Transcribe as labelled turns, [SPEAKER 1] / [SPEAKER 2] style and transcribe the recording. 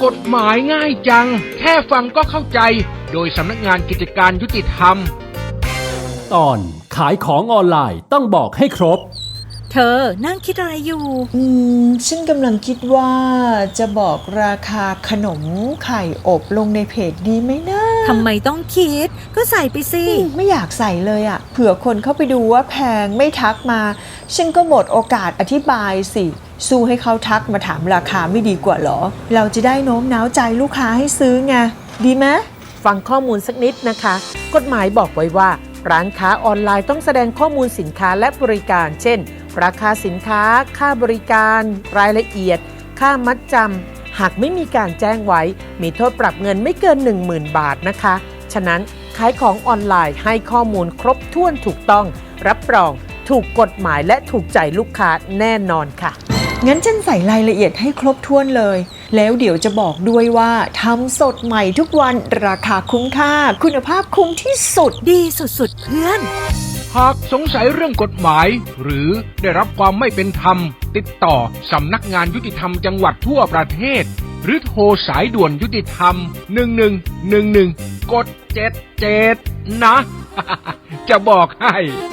[SPEAKER 1] กฎหมายง่ายจังแค่ฟังก็เข้าใจโดยสำนักงานกิจการยุติธรรม
[SPEAKER 2] ตอนขายของออนไลน์ต้องบอกให้ครบ
[SPEAKER 3] เธอนั่งคิดอะไรอยู่
[SPEAKER 4] ฉันกำลังคิดว่าจะบอกราคาขนมไข่อบลงในเพจดีไหมนะ
[SPEAKER 3] ทำไมต้องคิดก็ใส่ไปสิ
[SPEAKER 4] ไม่อยากใส่เลยอ่ะเผื่อคนเข้าไปดูว่าแพงไม่ทักมาฉันก็หมดโอกาสอธิบายสิสู้ให้เขาทักมาถามราคาไม่ดีกว่าหรอเราจะได้โน้มน้าวใจลูกค้าให้ซื้อไงดีไหม
[SPEAKER 5] ฟังข้อมูลสักนิดนะคะกฎหมายบอกไว้ว่าร้านค้าออนไลน์ต้องแสดงข้อมูลสินค้าและบริการเช่นราคาสินค้าค่าบริการรายละเอียดค่ามัดจำหากไม่มีการแจ้งไว้มีโทษปรับเงินไม่เกิน 10,000 บาทนะคะฉะนั้นขายของออนไลน์ให้ข้อมูลครบถ้วนถูกต้องรับรองถูกกฎหมายและถูกใจลูกค้าแน่นอนค่ะ
[SPEAKER 4] งั้นฉันใส่รายละเอียดให้ครบถ้วนเลยแล้วเดี๋ยวจะบอกด้วยว่าทำสดใหม่ทุกวันราคาคุ้มค่าคุณภาพคุ้มที่สุด
[SPEAKER 3] ดีสุดๆเพื่อน
[SPEAKER 1] หากสงสัยเรื่องกฎหมายหรือได้รับความไม่เป็นธรรมติดต่อสำนักงานยุติธรรมจังหวัดทั่วประเทศหรือโทรสายด่วนยุติธรรม1111กด77นะ จะบอกให้